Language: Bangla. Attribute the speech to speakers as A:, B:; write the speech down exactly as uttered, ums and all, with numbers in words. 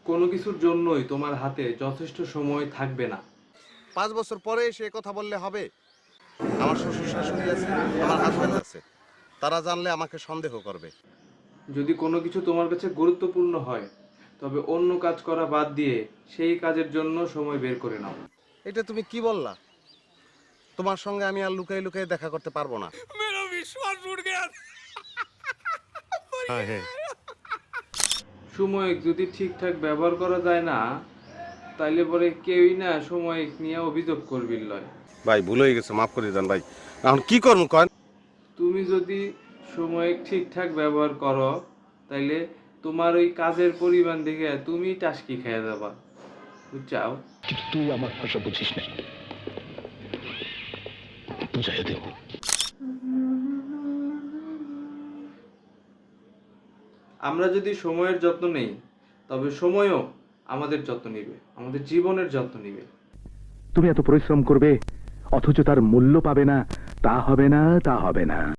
A: কোনো কিছুর জন্যই তোমার হাতে যথেষ্ট সময় থাকবে না।
B: পাঁচ বছর পরে সে কথা বললে হবে? আমার শ্বশুর শাশুড়ি আছে, আমার হাজবেন্ড আছে, তারা জানলে আমাকে সন্দেহ করবে।
A: যদি কোনো কিছু তোমার কাছে গুরুত্বপূর্ণ হয়, তবে অন্য কাজ করা বাদ দিয়ে সেই কাজের জন্য সময় বের করে নাও।
B: এটা তুমি কি বললা? তোমার সঙ্গে আমি আর লুকাই লুকাই দেখা করতে পারবো না।
C: मेरा विश्वास उठ गया।
B: হ্যাঁ হ্যাঁ।
A: সময় যদি ঠিকঠাক ব্যবহার করা যায় না, তাইলে পরে কেউই না সময় নিয়ে অভিযোগ করবি লয়।
B: ভাই ভুল হয়ে গেছে, মাফ করে দেন ভাই। এখন কি করবো কন?
A: তুমি যদি সময় ঠিকঠাক ব্যবহার করো, তাইলে তোমার ওই কাজের পরিমাণ দেখে তুমি টাসকি খেয়ে যাবা, বুঝছাও?
D: কিন্তু তুই আমার ভাষা বুঝিস না, বুঝাই দেব।
A: আমরা যদি সময়ের যত্ন নেই, তবে সময়ও আমাদের যত্ন নিবে, আমাদের জীবনের যত্ন নিবে।
D: তুমি এত পরিশ্রম করবে অথচ তার মূল্য পাবে না, তা হবে না, তা হবে না।